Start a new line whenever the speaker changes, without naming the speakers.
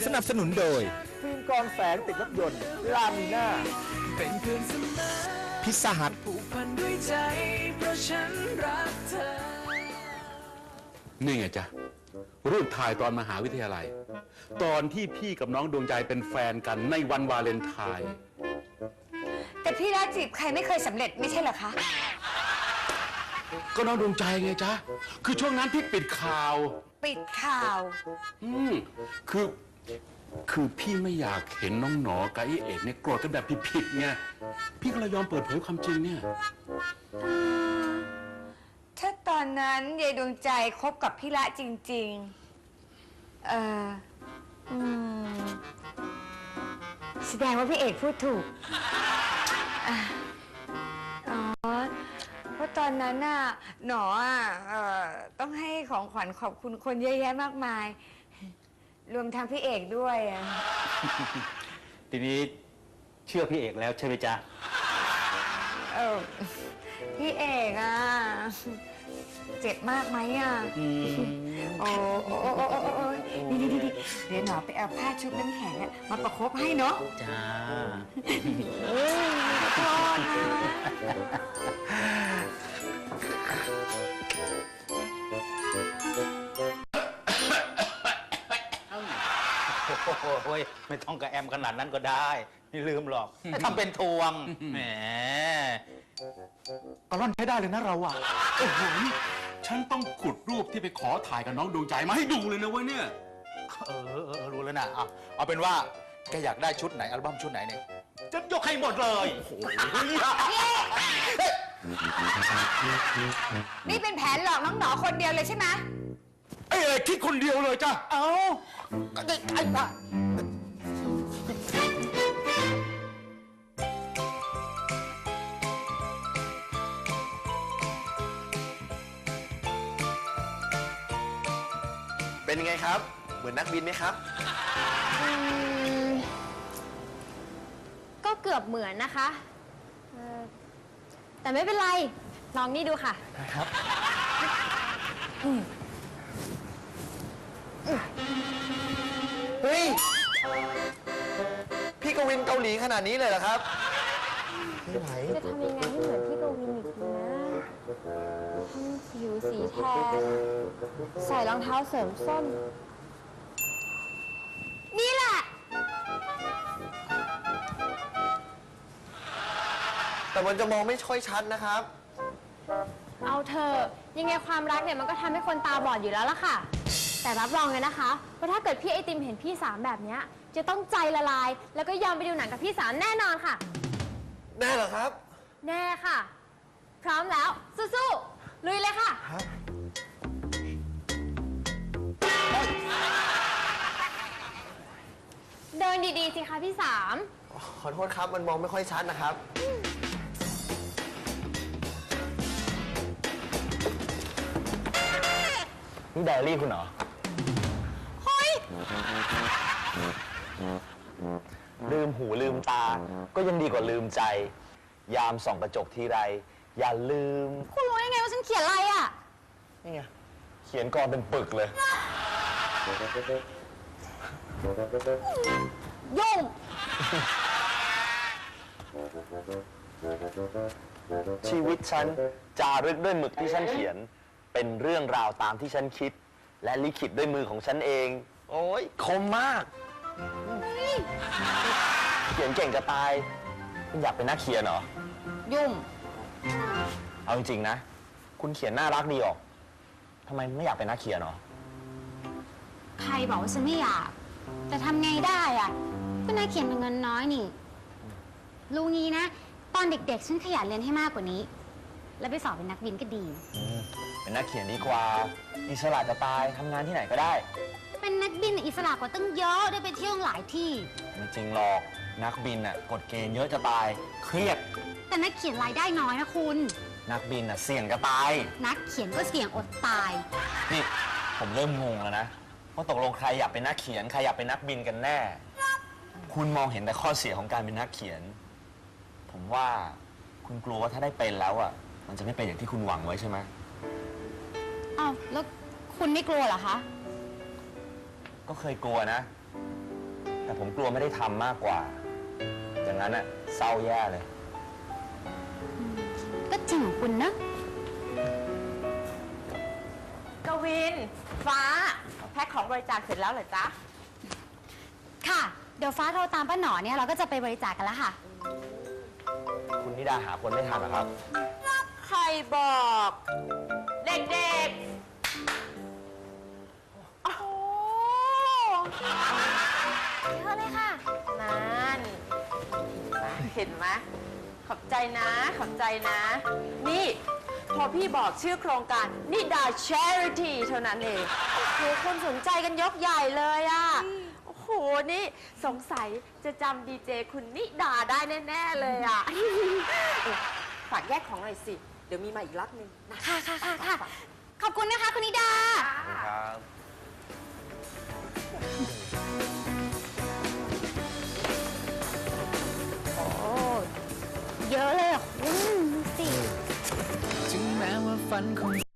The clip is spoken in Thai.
สนับสนุนโดย
ฟิล์มกรองแสงติดรถยนต์ลามิน่า
เป็นเพื่อนเสมอ
พิซซ่าฮัท
ผูกพันด้วยใจเพราะฉันรักเธอ
นี่ไงจ๊ะรูปถ่ายตอนมหาวิทยาลัย ตอนที่พี่กับน้องดวงใจเป็นแฟนกันในวันวาเลนไทน์
แต่พี่รักจีบใครไม่เคยสำเร็จไม่ใช่เหรอคะ
ก็น้องดวงใจไงจ๊ะคือช่วงนั้นพี่ปิดข่าว
ปิดข่าว
คือพี่ไม่อยากเห็นน้องหนอกับไอ้เอกเนี่ยโกรธกันแบบผิดๆไงพี่ก็เลยยอมเปิดเผยความจริงเนี่ย
ถ้าตอนนั้นยายดวงใจคบกับพี่ละจริงๆแสดงว่าพี่เอกพูดถูกเพราะตอนนั้นน่ะหนอต้องให้ของขวัญขอบคุณคนเยอะแยะมากมาย รวมทั้งพี่เอกด้วยอะ
ทีนี้เชื่อพี่เอกแล้วใช่ไหมจ๊ะ
พี่เอกอะเจ็บมากไหมอะโอ้นี่เดี๋ยวหนอไปเอาผ้าชุบน้ำแข็งอะมาประคบให้เนาะ
จ้า
ขอโทษนะ
โอ้ยไม่ต้องกระแอมขนาดนั้นก็ได้ไม่ลืมหรอกทำเป็นทวงแหม
กระล่อนใช้ได้เลยนะเราอะโอ้โหฉันต้องขุดรูปที่ไปขอถ่ายกับน้องดวงใจมาให้ดูเลยนะเว้ยเนี่ย
รู้แล้วนะเอาเป็นว่าแกอยากได้ชุดไหนอัลบั้มชุดไหนเนี่ยจะยกให้หมดเลยโอ้โห
นี่เป็นแผนหลอกน้องหนอคนเดียวเลยใช่ไหม
ไอ้เอกคิดคนเดียวเลยจ้ะ
เอาก็ได้ไอ้บ้า
เป็นยังไงครับ เหมือนนักบินไหมครับ
ก็เกือบเหมือนนะคะแต่ไม่เป็นไร ลองนี่ดูค่ะ
เฮ้ย พี่กวินเกาหลีขนาดนี้เลยเหรอครับ ไม่ไหว
จะทำยังไงให้เหมือนพี่กวินอีกทีนะผิวสีแทน ใส่รองเท้าเสริมส้น นี่แหละ
แต่มันจะมองไม่ค่อยชัดนะครับ
เอาเธอะยังไงความรักเนี่ยมันก็ทำให้คนตาบอดอยู่แล้วล่ะค่ะ แต่รับรองเลยนะคะว่าถ้าเกิดพี่ไอติมเห็นพี่สามแบบเนี้ยจะต้องใจละลาย แล้วก็ยอมไปดูหนังกับพี่สามแน่นอนค่ะ
แน่เหรอครับ
แน่ค่ะ พร้อมแล้ว สู้ๆลุยเลยค่ะ เดินดีๆสิคะพี่สาม
ขอโทษครับ มันมองไม่ค่อยชัดนะครับ
นี่ไดอารี่คุณเหรอ
เฮ้ย
ลืมหูลืมตา ก็ยังดีกว่าลืมใจ ยามส่องกระจกทีไร อย่าลืม
คุณรู้ได้ไงว่าฉันเขียนอะไรอ่ะ
นี่ไงเขียนกรเป็นปึกเลย
ยุ่ง
ชีวิตฉันจารึกด้วยหมึกที่ฉันเขียน เป็นเรื่องราวตามที่ฉันคิด และลิขิตด้วยมือของฉันเอง โอ้ยคมมาก เขียนเก่งจะตายคุณอยากเป็นนักเขียนเหรอ
ยุ่ง
เอาจริงๆนะ คุณเขียนน่ารักดีออกทำไมไม่อยากเป็นนักเขียนเหรอ
ใครบอกว่าฉันไม่อยาก แต่ทำไงได้อ่ะก็นายเขียนเป็นเงินน้อยนี่รู้งี้นะ ตอนเด็กๆฉันขยันเรียนให้มากกว่านี้ แล้วไปสอบเป็นนักบินก็ดี
เป็นนักเขียนดีกว่า อิสระจะตายทำงานที่ไหนก็ได้
เป็นนักบินอิสระกว่าตั้งเยอะได้ไปเที่ยวหลายที่
ไม่จริงหรอกนักบินน่ะกฎเกณฑ์เยอะจะตาย เครียด
แต่นักเขียนรายได้น้อยนะคุณ
นักบินน่ะเสี่ยงจะตาย
นักเขียนก็เสี่ยงอดตาย
นี่ผมเริ่มงงแล้วนะว่าตกลงใครอยากเป็นนักเขียนใครอยากเป็นนักบินกันแน่ คุณมองเห็นแต่ข้อเสียของการเป็นนักเขียน ผมว่าคุณกลัวว่าถ้าได้เป็นแล้วอ่ะมันจะไม่เป็นอย่างที่คุณหวังไว้ใช่ไหม
อ้าวแล้วคุณไม่กลัวเหรอคะ
ก็เคยกลัวนะแต่ผมกลัวไม่ได้ทำมากกว่า อย่างนั้นอะเศร้าแย่เลย
ก็จริงของคุณนะ
กวิน ฟ้า แพ็คของบริจาคเสร็จแล้วเหรอจ๊ะ
ค่ะ เดี๋ยวฟ้าโทรตามป้าหนอเนี่ยเราก็จะไปบริจาคกันแล้วค่ะ
คุณนิดาหาคนไม่ทันเหรอครับ
ใครบอก เด็กๆ โอ้โห
เยอะเลยค่ะ
นั่นเห็นไหมขอบใจนะ ขอบใจนะ นี่ พอพี่บอกชื่อโครงการนิดา Charity เท่านั้นเองโอ้โหคนสนใจกันยกใหญ่เลยอ่ะ โอ้โห นี่สงสัยจะจำดีเจคุณนิดาได้แน่ ๆ เลยอ่ะ ฝากแยกของหน่อยสิ เดี๋ยวมีมาอีกล็อตหนึงนะ
ค่ะค่ะค่ะค่ะขอบคุณนะคะคุณนิดา
ครับ
โอ้เยอะเลยอ่ะคุณดูสิ
ถึงแม้ว่าฝันของ